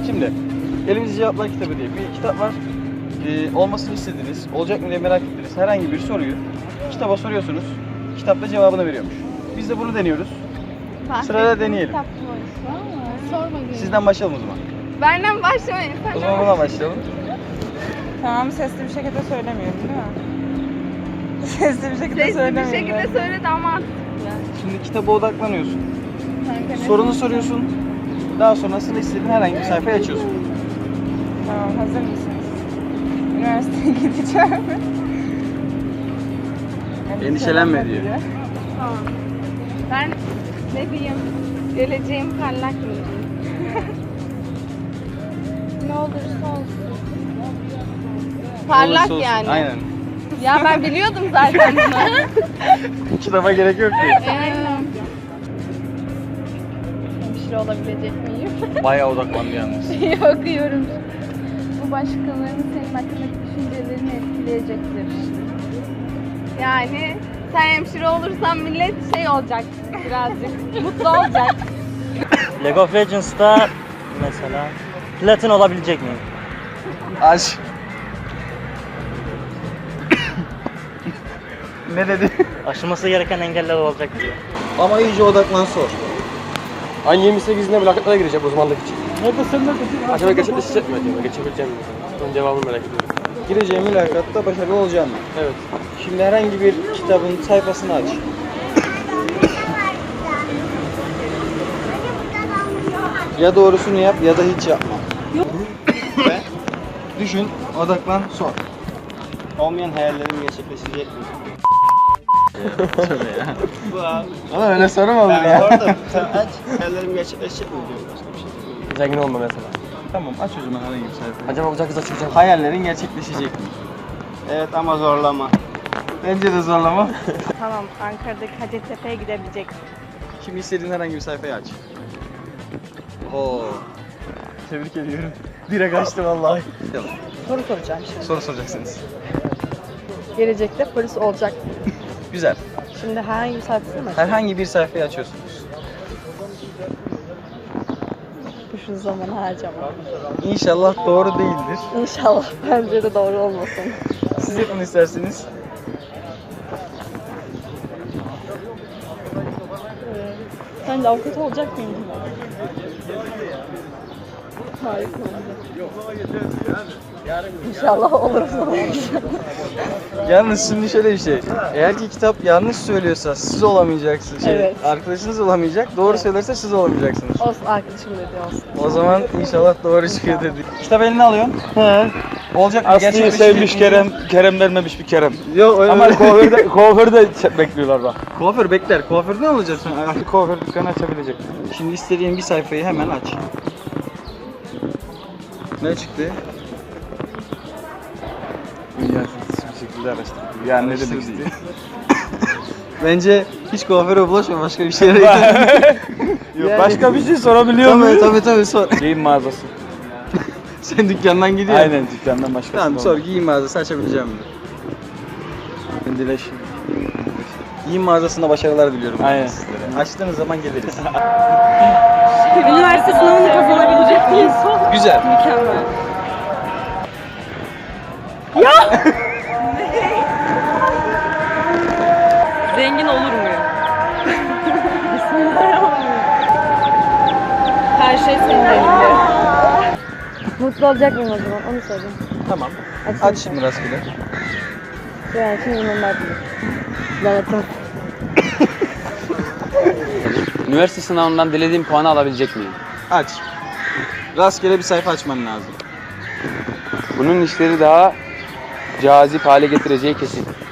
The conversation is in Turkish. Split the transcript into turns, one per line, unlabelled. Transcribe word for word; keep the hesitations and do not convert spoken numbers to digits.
Şimdi Elimizde Cevaplar Kitabı diye bir kitap var. Ee, olmasını istediğiniz, olacak mı diye merak ettiğiniz herhangi bir soruyu kitaba soruyorsunuz. Kitap da cevabını veriyormuş. Biz de bunu deniyoruz. Sırayla deneyelim. Sizden başlayalım o zaman.
Benden başlamayın.
O zaman buna başlayalım.
Tamam, sesli bir şekilde söylemiyorum değil mi? Sesli bir şekilde
Sesli
söylemiyorum.
bir şekilde söyle de ama mantıklı.
Şimdi kitaba odaklanıyorsun. Sorunu soruyorsun. Daha sonrasında istediğin herhangi bir sayfayı açıyorsun.
Tamam, hazır mısınız? Üniversiteye gideceğim.
Endişelenme diyor.
Tamam. Ben ne diyeyim? Geleceğim parlak mı diyeyim? Ne olursa olsun. Parlak
Olursa olsun.
yani.
Aynen.
Ya ben biliyordum zaten bunu.
Kitaba gerek yok ki.
Aynen. Hemşire olabilecek miyim?
Bayağı odaklandı yalnız.
Okuyorum. Bu başkalarının senin hakkındaki düşüncelerini etkileyecektir. Yani sen hemşire olursan millet şey olacak birazcık. Mutlu olacak.
League of Legends'ta mesela platin olabilecek miyim?
Aç. Ne dedi?
Aşılması gereken engeller olacak diyor.
Ama iyice odaklan sor.
Aynı yirmi sekizinde mülakatlara girecek uzmanlık için.
Nerede sen nerede?
Acaba gerçekleşecek mi acaba? Geçebileceğim mi? Onun cevabını merak ediyorum.
Gireceğin mülakatta başarılı olacaksın.
Evet.
Şimdi herhangi bir kitabın sayfasını aç. Ya doğrusunu yap ya da hiç yapma. Ve düşün, odaklan, sor. Olmayan hayallerim gerçekleşecek mi? Şöyle ya. Ama öyle soru mu olur ya? Orada sen aç, hayallerim gerçekleşecek mi diyor başka bir şey.
Zengin olma mesela.
Tamam, aç o zaman herhangi bir sayfayı.
Acaba uzak kıza çıkacak mı?
Hayallerin gerçekleşecek mi? Evet ama zorlama. Bence de zorlama.
Tamam, Ankara'daki Hacettepe'ye gidebilecek.
Şimdi istediğin herhangi bir sayfayı aç. Oo. Tebrik ediyorum. Direkt açtı vallahi.
Soru soracağım şimdi.
Soru soracaksınız.
Gelecekte polis olacak.
Güzel.
Şimdi herhangi bir sayfasını mı?
Herhangi bir sayfayı açıyorsunuz.
Şu zaman harcama.
İnşallah doğru değildir.
İnşallah bence de doğru olmasın.
Siz yapın isterseniz.
Sen de avukat olacak mıydın? Harika olacak. İnşallah olursa.
Yalnız şimdi şöyle bir şey. Eğer ki kitap yanlış söylüyorsa siz olamayacaksınız. Şey,
Evet.
Arkadaşınız olamayacak. Doğru
Evet.
söylerse siz olamayacaksınız.
Olsun, arkadaşım dedi olsun.
O zaman inşallah doğru çıkıyor dedik. Kitap eline alıyorsun. He. Olacak mı?
Aslı'yı
Gerçekleşecek
sevmiş
mi?
Kerem, Kerem vermemiş bir Kerem.
Yok öyle.
Ama kuaförde, kuaförde bekliyorlar bak.
Kuaför bekler. Kuaför ne olacaksın?
Artık kuaför dükkanı açabilecek.
Şimdi istediğin bir sayfayı hemen aç. Ne çıktı?
Dünya bir şekilde araştırdım. Yani ne demek istiyor?
Bence hiç kuaföre bulaşma, başka bir şeye git.
Yok, başka bir şey sorabiliyor
Tabii
muyum?
tabii tabii sor.
Giyim mağazası.
Sen dükkandan gidiyorsun.
Aynen dükkandan başka.
Tamam sor, giyim mağazası açabileceğim mi?
Dileşim.
Giyim mağazasında başarılar diliyorum.
Aynen.
Sizlere. Açtığınız zaman geliriz.
Üniversite sınavını kazanabilecek miyiz?
Güzel.
Mükemmel. Zengin olur muyum? Her şey senin elinde. Mutlu olacak mıyım o zaman? Onu söyleyeyim.
Tamam.
Açayım
Aç
sen.
şimdi rastgele.
Yani şimdi onlar bilir. Lanetim.
Üniversite sınavından dilediğim puanı alabilecek miyim?
Aç. Rastgele bir sayfa açman lazım.
Bunun işleri daha cazip hale getireceği kesin.